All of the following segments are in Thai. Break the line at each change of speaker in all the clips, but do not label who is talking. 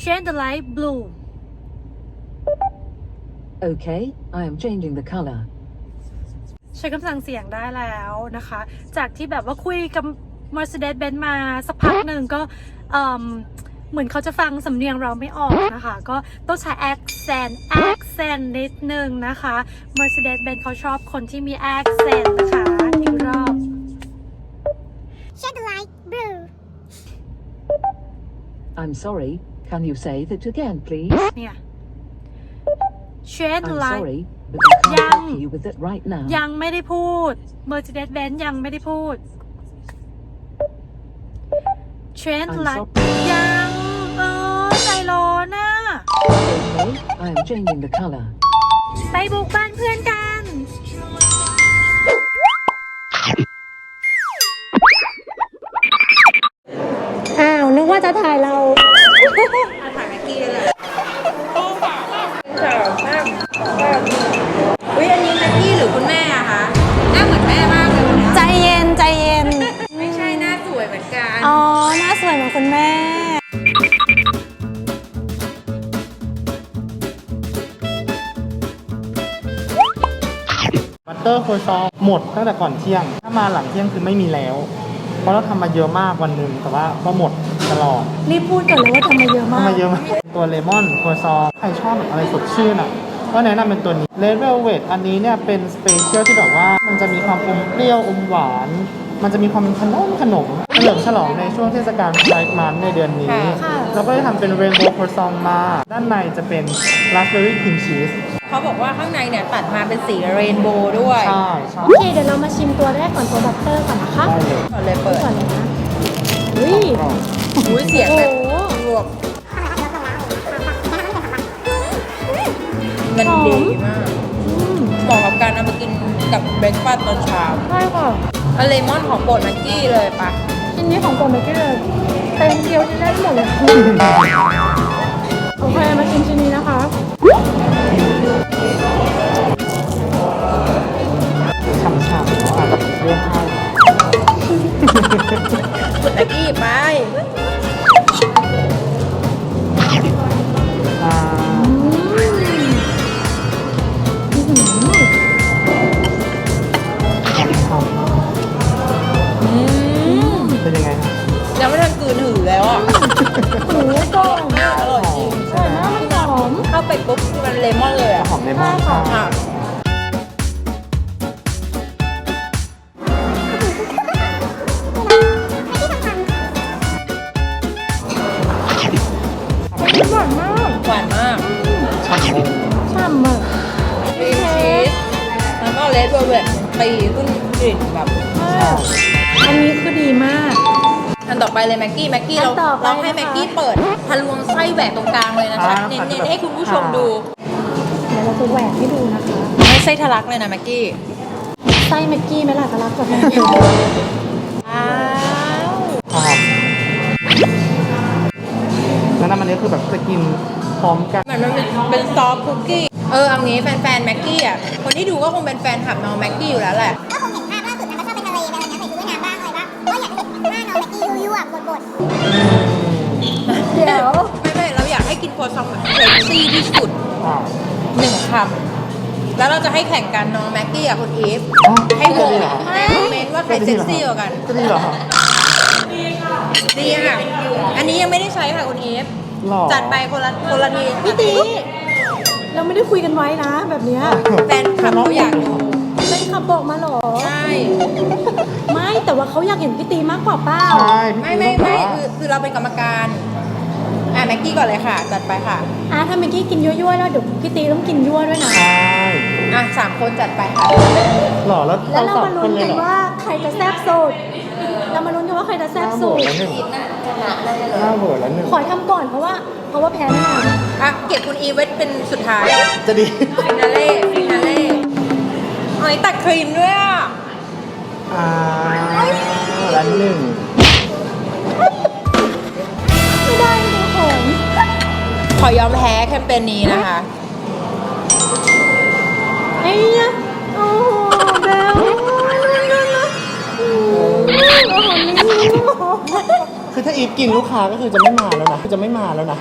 change the light blue
Okay, I am changing the color.
ใช้คำสั่งเสียงได้แล้วนะคะ จากที่แบบว่าคุยกับ Mercedes-Benz มาสักพักหนึ่งก็เหมือนเขาจะฟังสำเนียงเราไม่ออกนะคะ ก็ต้องใช้ accent นิดนึงนะคะ Mercedes-Benz เขาชอบคนที่มี accent นะคะอีกรอบ
Shed the light blue.
I'm sorry, can you say that again, please?
เนี่ย change the
I'm
light
sorry, but I can't
Yang.
help you with it right now.
ยังไม่ได้พูด Mercedes-Benz ยังไม่ได้พูด change the
I'm
light
sorry.
ยังใจร้อนน่ะ
Okay, I am changing the color.
ไปบุกบ้านเพื่อนกัน อ้าว นึกว่าจะถ่ายเรา
ถ่ายแม็กกี้เลยอุ้ยอันนี้แม็กกี้หรือคุณแม่อะคะหน้าเหมือนแม่มากเลยวันนี้
ใจเย็นใจเย็น
ไม่ใช่หน้าสวยเหมือนกัน
อ๋อ หน้าสวยเหมือนคุณแม่
บัตเตอร์โคซองหมดตั้งแต่ก่อนเที่ยง ถ้ามาหลังเที่ยงคือไม่มีแล้ว เพราะเราทำมาเยอะมากวันหนึ่งแต่ว่าก็หมดตลอด
รีบพูดก่อนเลยว่าทำมาเยอะมาก
ทำมาเยอะมาก ตัวเลมอนโคซองใครชอบแบบอะไรสดชื่นอ่ะก็แนะนำเป็นตัวนี้เลดเวลเวทอันนี้เนี่ยเป็นสเปเชียลที่แบบว่ามันจะมีความอมเปรี้ยวอมหวาน มันจะมีความเป็นขนมเฉลิมฉลองในช่วงเทศกาลไพร์มันในเดือนนี้ เราก็ได้ทำเป็นเรนโบว์โคซองมา ด้านในจะเป็นราสเบอร์รี่ครีมชีส
เขาบอกว่าข้างในเนี่ยตัดมาเป็นสีเรนโบว์ด้วย
ใช่ใช่
โอเค เดี๋ยวเรามาชิมตัวแรกก่อนตัวบัตเตอร์ก่อนนะคะ
ได้เลย
ก่อนเลยเปิด
ก่อนเลยนะอุ้ย
กรอบ
อุ้ยเสียง
โอ้
แบ
โห
บรวบมันดีมากเหมาะกับการเอามากินกับเบรคฟาสต์ตอนเช้า
ใช่ค่ะ
อะเลมอนของโปรดแม็กกี้เลยปะ
ชิ้นนี้ของโปรเมกี้เลยเต็มเดียวชิ้นได้หมดเลยโอเค มาชิมชิ้นนี้นะคะ
ฉ่ำๆเนาะอาจจะเลือกให้
แม็กกี้ไป
อ่าหอม เป็นยังไงครับ
ยังไม่ทันกลืนหือแล้วอ่ะ
หูกล่อง
อร่อยจริง
อร่อยมากมันหอม
เข้าไปปุ๊บมันเลมอนเลยอ่ะ
หอมเลมอนค่ะ
อ่ะ
หวานมาก
หวานมาก
ฉ่ำเลย
ฉ่ำอ่ะ
ครีมชีสแล้วก็เลดเวลเวทตีขึ้นกลิ่นแบบ
อันนี้คือดีมาก
อันต่อไปเลยแม็กกี้เรา
อันต่อไป
เราให้
นะคะ
แม็กกี้เปิดทะลวงไส้แหวกตรงกลางเลยนะคะ เน้นๆให้คุณผู้ชมดู
เดี๋ยวเราจะแหวกให้ดูนะคะ
ไม่ไส้ทะลักเลยนะแม็กกี้
ไส้แม็กกี้ไหมล่ะกะลักกับแม็กกี้
อ้าว
หอมแล้วน้ำมันนี้คือแบบจะกินพร้อมกัน
เหมือนมันเป็นซอฟต์คุกกี้เอางี้แฟนๆแม็กกี้อ่ะคนที่ดูก็คงเป็นแฟนคลับน้องแม็กกี้อยู่แล้วแหละ
ก็คงเห็นภาพล่าสุดนะก็ชอบไปทะเลไปอะไรเงี้ยใส่ชุดว่ายน้ำบ้างอะไรบ้างก็อยากจะเห็นหน้าน้องแม็กกี้ยั่วๆบด
เดี๋ยว
ไม่เราอยากให้กินครัวซองแบบเซ็กซี่ที่สุด
อ่า
1 คำแล้วเราจะให้แข่งกันน้องแม็กกี้กับคุณอีฟ
อ๋อ
ให้โหว
จะดี
ต
เหรอ
ในคอมเมนต์ว่าใครเซ็กซี่กว่ากัน
จะดีเหรอ
ดีค่ะอันนี้ยังไม่ได้ใช้ค่ะคุณอีฟ
หรอ
จัดไปคนละที
พี่ตีเราไม่ได้คุยกันไว้นะ แบบเนี้ย
แฟนคลับเขาอยากดู
เป็นขับบอกมาเหรอ
ใช่
ไม่แต่ว่าเขาอยากเห็นพี่ตีมากกว่าเป้า
ใช่
ไม่คือเราเป็นกรรมการแม็กกี้ก่อนเลยค่ะ จัดไปค่ะ
ถ้าเมื่อกี้กินยั่วๆแล้วเดี๋ยวพี่ตีต้องกินยั่วด้วยนะ
ใช่
3 คนจัดไปค่ะ
หล่อแล้ว
แล้วเรา
สอง
มา
ค
ลุ้น
เล
กั
ย
น
เหรอ
ว่าใครจะแซ่บสุด เรามาลุ้นกันว่าใครจะแซ่บสุด
หน้าเวอร์แล้วหนึ่ง
ขอทำก่อนเพราะว่าแพ้แน่นอน
เก็บคุณอีฟไว้เป็นสุดท้าย
จะดี
ฟินาเล่หอยตัดครีมด้วยอ่ะ
แล้วหนึ่ง
ไม่ได้ดูของ
ขอยอมแพ้แคมเปญนี้นะคะ
ไอ้เนี่ยโอ้โหเบลโอ้โหนี่
คือถ้าอีฟกินลูกค้าก็คือจะไม่มาแล้วนะจะไม่มาแล้วนะ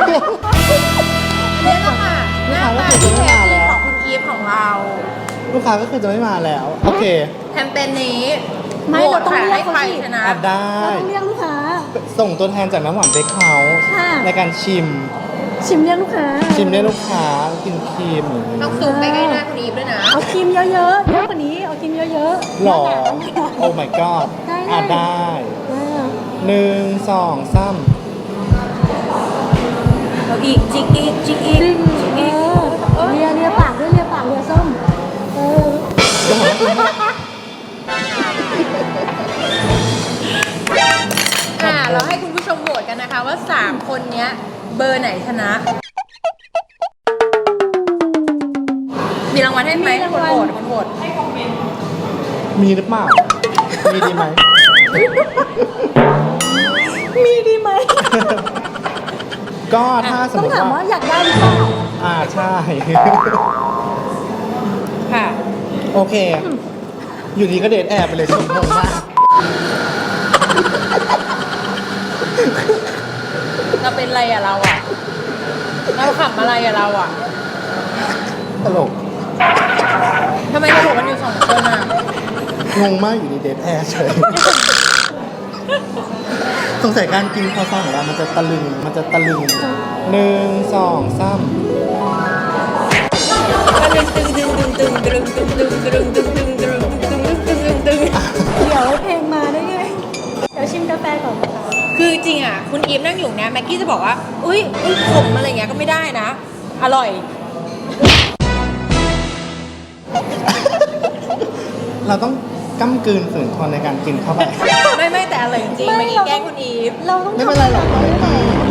เนี่ยแหละค่ะหน้าตาที่แท้จริงของคุณอีฟของเรา
ลูกค้าก็คือจะไม่มาแล้ว โอเค
แคมเปญนี้
ไม่
โหว
เรา
ต
ต้อง
ค่ะ
เรีย
ให้
กเขา
ใคร
สิ
ชนะ
อ่ะได้
เราต้องเรียกลูกค้า
ส่งตัวแทนจากน้ำหวานเบคเฮาส์
ค่ะ
ในการชิม
ชิมเรียกลูกค้า
ชิมได้ลูกค้ากินครีม
ต้องซูมไปใกล้หน้าคุณอีฟด้วยนะ
เอาครีมเยอะๆเยอะกว่านี้เอาครีมเยอะๆ
หล่อ
หนาๆ
โอ้ my god
ได้
อ่ะได้ 1 2 3
เอาอีกจิกอีกจิกอีก
จริงเลียปากด้วยเลียปากเลียส้ม
เราให้คุณผู้ชมโหวตกันนะคะว่า 3 คนเนี้ยเบอร์ไหนชนะ มีรางวัลให้ไหมคนโหวตคนโหวต
มีหรือเปล่า มีดีไหม
มีดีไหม
ก็ถ้าสม
ต้อ
ม
ง
ติ
ถามว่า
ว่า
อยากได้หรือเปล่า
ใช่
ค่ะ
โอเค อยู่ดีก็เดทแอบไปเลยชมงงมาก
เราเป็นอะไรอะเราอะเราขำอะไรอะเราอะ
ตลก
ทำไมเราโหวตกันอยู่2 คนอะ
งงมากอยู่ดีเดทแอบเฉย สงสัยการกินคอซองของเรามันจะตะลึง 1 2 3
ก็ดึงตึงดึงดึงดึงดึงดึงดึงดึงดึงดึงดึงดึงดึงดึงดึง
เดี๋ยวเพลงมาได้ไง เดี๋ยวชิมกาแฟก่อนนะคะ
คือจริงอะคุณอีฟนั่งอยู่นะแม็กกี้จะบอกว่าอุ้ยขมอะไรเงี้ยก็ไม่ได้นะ อร่อย
เราต้องก้ำกลืนฝืนทนในการกินเข้าไป
ไม่แต่อร่อยจริงๆ
ไม่
เมื่อกี้แกล้งคุณอีฟ
เราต้อง
ไม่เป็นไรหรอกไม่เป็นไรหรอก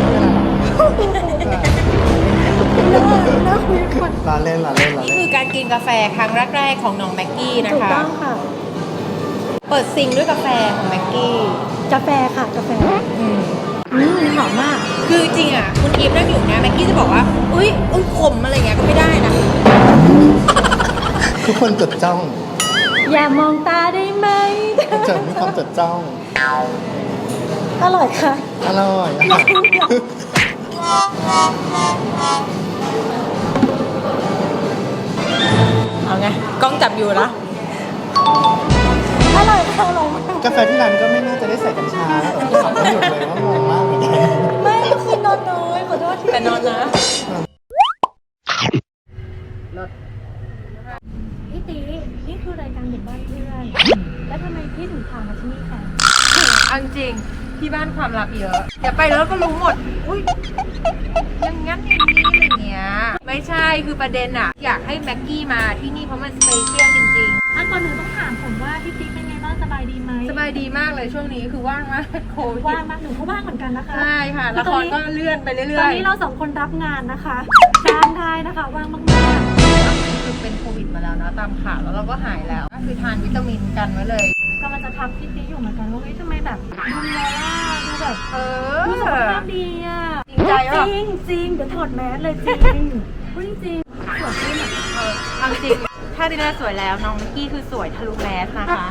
น่าคุยกัน
ลาเล่น
นี่คือการกินกาแฟครั้งแรกๆของน้องแม็กกี้นะ
ถูก
คะ
ต้องค่ะ
เปิดซิงด้วยกาแฟของแม็กกี้
กาแฟค่ะ กาแฟหอมมาก
คือจริงอ่ะคุณอีฟนั่งอยู่นะแม็กกี้จะบอกว่าอุ้ยขมอะไรเงี้ยก็ไม่ได้นะ
ทุกคนจดจ้อง
อย่ามองตาได้ไหม
จะมีความจดจ้อง
อร่อยค่ะ
อร่อย
เอาไงกล้องจับอยู่นะ
อร่อยค่ะอร่อยมาก
กาแฟที่ร้านก็ไม่น่าจะได้ใส่กัญชาแล้วไม่หยุดเลยว่างงมากเหมือนกัน
ไม่ก็คือนอนน้อยขอโทษที
แต่นอนนะ
พี่ตีนี่คือรายการเด็กบ้านเพื่อน แล้วทำไมพี่ถึงพามาที่นี่คะ
เอาจริงที่บ้านความลับเยอะเดี๋ยวไปแล้วก็รู้หมด อุ้ยอย่างงั้นอย่างนี้อย่างเงี้ย ไม่ใช่คือประเด็นอะอยากให้แม็กกี้มาที่นี่เพราะมันสเปเชียลจริง
อันก่อนหนึ่งต้องถามผมว่าพี่ตีเป็นไงบ้างสบายดีไหม
ๆ สบายดีมากเลยช่วงนี้คือว่างมากโควิด
ว่างมากหนูก็ว่างเหมือนกันนะคะ
ใช่ค่ะละครก็เลื่อนไปเรื่
ตอ
อน ย
นี้เราสองคนรับงานนะคะจ้างได้นะคะว่างมาก
ๆคือเป็นโควิดมาแล้วนะตามข่าวแล้วเราก็หายแล้วก็คือทานวิตามินกันไว้เลย
ๆกำลังจะทักพี่ตีอยู่เหมือนกันว่าเฮ้ยทำไมแบบดูแลดูแบบ
เอ
ดูสุข
อ
ภาพดีอ่ะ
จริงใจเหรอ
จริงเดี๋ยวถอดแมสเลยจริงพูดจริงสวยขึ้นอ่ะ
เอาจริงถ้าดิน่าสวยแล้วน้องมิกกี้คือสวยทะลุแมสนะคะ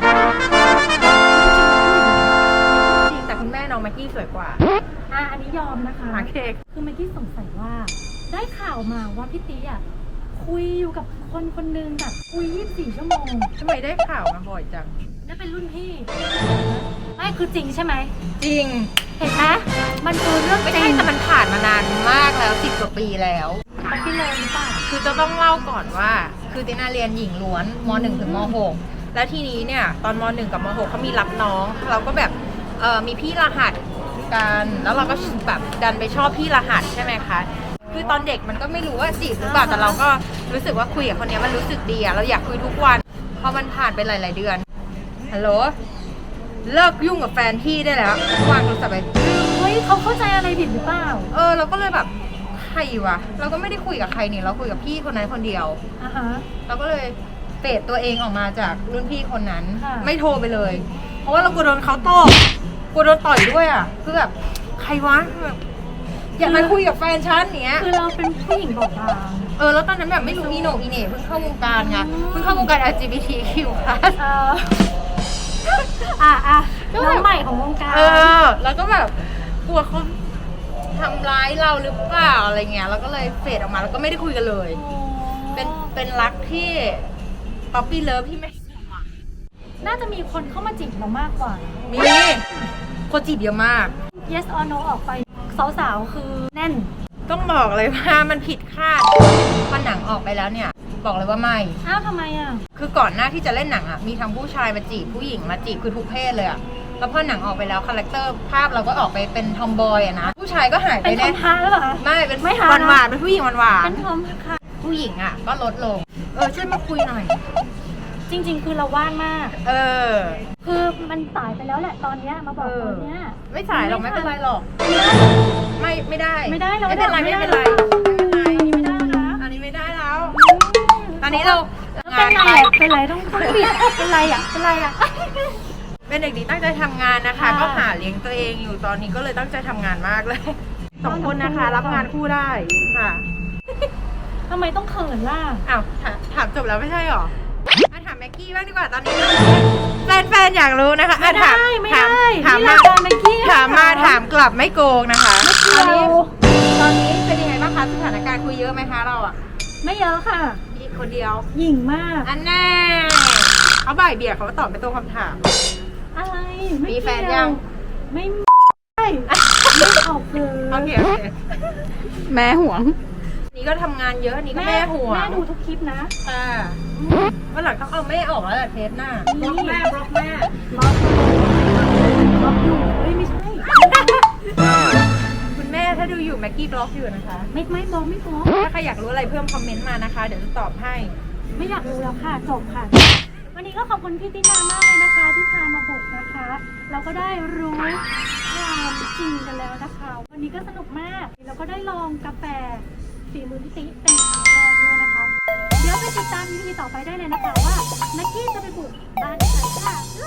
จริงแต่คุณแม่น้องแม็กกี้สวยกว่า
อันนี้ยอมนะคะ
โอเค
คือเมื่อกี้สงสัยว่า ได้ข่าวมาว่าพี่ตีอ่ะคุยอยู่กับคนคนหนึงแบบคุย24 ชั่วโมง
ทำไมได้ข่าวมาบ่อยจัง
นั่นเป็นรุ่นพี่ไม่คือจริงใช่ไหม
จริง
เห็นไหมมันคือเรื่อง
ไม่
จริ
ใช่
ง
แต่มันผ่านมานานมากแล้ว10 กว่าปีแล้ว
เขาพี่เลยหรือเปล่า
คือจะต้องเล่าก่อนว่า คือตินาเรียนหญิงล้วนม .1 ถึงม .6 แล้วทีนี้เนี่ยตอนม .1 กับม .6 เขามีรับน้อง เราก็แบบมีพี่รหัสกันแล้วเราก็แบบดันไปชอบพี่รหัสใช่ไหมคะคือตอนเด็กมันก็ไม่รู้ว่าจีบหรือเปล่าแต่เราก็รู้สึกว่าคุยกับคนนี้มันรู้สึกดีอะเราอยากคุยทุกวันพอมันผ่านไปหลายๆเดือนฮัลโหลเลิกยุ่งกับแฟนพี่ได้แล้ววางโทรศัพท์ไป
เฮ้ยเขาเข้าใจอะไรผิดหรือเปล่า
เราก็เลยแบบใครวะเราก็ไม่ได้คุยกับใครนี่เราคุยกับพี่คนนั้นคนเดียว
อ่ะฮะ
เราก็เลยเฟดตัวเองออกมาจากรุ่นพี่คนนั้น
ค่ะ
ไม่โทรไปเลย เพราะว่าเรากลัวโดนเขาตบกลัวโดนต่อยด้วยอ่ะคือแบบใครวะแบบอยากมาคุยกับแฟนฉันเนี้ย
คือเราเป็นผู้หญิงบอบบาง
แล้วตอนนั้นแบบไม่รู้อีโหนอีเหน่เพิ่งเข้าวงการไงเพิ่งเข้าวงการ LGBTQ+
อ่ะ
ก็
น้
แบ
อง
บ
ใหม่ของวงการ
แล้วก็แบบกลัวเขาทำร้ายเราหรือเปล่าอะไรเงี้ยแล้วก็เลยเฟดออกมาแล้วก็ไม่ได้คุยกันเลย เป็นรักที่ป๊อปปี้เลิฟที่ไม่
น่าจะมีคนเข้ามาจีบเรามากกว่า
มีคนจีบเยอะมาก
yes or no ออกไปสาวๆคือแน่น
ต้องบอกเลยว่ามันผิดคาดพอหนังออกไปแล้วเนี่ย บอกเลยว่าไม่
อ้าวทำไมอ่ะ
คือก่อนหน้าที่จะเล่นหนังอ่ะมีทั้งผู้ชายมาจีบผู้หญิงมาจีบคือทุกเพศเลยอ่ะแล้วพอหนังออกไปแล้วคาแรคเตอร์ภาพเราก็ออกไปเป็นทอมบอยอะนะผู้ชายก็หายไป
เป็นทอ
แน่
มฮาร์ดหรือเปล่าคะ
ไม่เป็น
ไม่หา
หวานๆเป็นผู้หญิงหวาน
เป็นทอมค่ะ
ๆผู้หญิงอ่ะก็ลดลงช่วยมาคุยหน่อย
จริงๆ คือเราว่างมากคือมันสายไปแล้วแหละตอนเนี้ยมาบอกตอนเนี้ย
ไม่สายหรอกไม่เป็นไรหรอกไม่ได้
ไม่ได้เรา
ไม่เป็นไร
ไม่
ไม่
ได้
เป็นไร
ไม่ได้นะ
อันนี้ไม่ได้แล้วตอนนี้เรา
เป็นไรอ่ะเป็นไรต้องปิดเป็นไรอ่ะเป็นไรอ่ะ
เป็นเด็กดีตั้งใจทำงานนะคะ
ค่ะ
ก็หาเลี้ยงตัวเองอยู่ตอนนี้ก็เลยตั้งใจทำงานมากเลย2 คนนะคะ รับงานคู่ได้ค่ะ
ทำไมต้องเขินล่ะ
อ้าวถามจบแล้วไม่ใช่หรอถามแม็กกี้บ้างดีกว่าตอนนี้แฟนๆอยากรู้นะคะ
ไม่ได้ไม่ได้
ถาม
นี่
มาร
ายการเมื่อกี้
ถามมาถามกลับไม่โกงนะคะ
ตอนนี้
ตอนนี้เป็นยังไงบ้างคะสถานการณ์คุยเยอะไหมคะเราอ่ะ
ไม่เยอะค่ะ
มีคนเดียว
หยิ่งมาก
อันแน่เขาบ่ายเบี่ยงเขาก็ตอบไม่ตรงคำถาม
อะไร
มีแฟนยัง
ไม่ไม่ตอบเลย
โอเคแม่ห่วงนี่ก็ทำงานเยอะนี่ก็แม่ห่วง
แม่ดูทุกคลิปนะ
ค่ะวันหลังต้องเอาแม่ออกแล้วแหละเทปหน้าบล็อกแม่
บล็อกอยู่เฮ้ยไม่ใช่
คุณแม่ถ้าดูอยู่แม็กกี้บล็อกอยู่นะคะ
ไม่บล็อกไม่บล็อก
ถ้าใครอยากรู้อะไรเพิ่มคอมเมนต์มานะคะ เดี๋ยวจะตอบให้
ไม่อยากรู้แล้วค่ะจบค่ะ วันนี้ก็ขอบคุณพี่ตินามากเลยนะคะ ที่พามาบุกนะคะ เราก็ได้รู้ความจริงกันแล้วนะคะ วันนี้ก็สนุกมากเราก็ได้ลองกาแฟฝีมือพี่ติเป็นครั้งแรกด้วยนะคะ เดี๋ยวไปติดตาม EP ต่อไปได้เลยนะคะว่านักกี้จะไปบุกบ้านใครค่ะ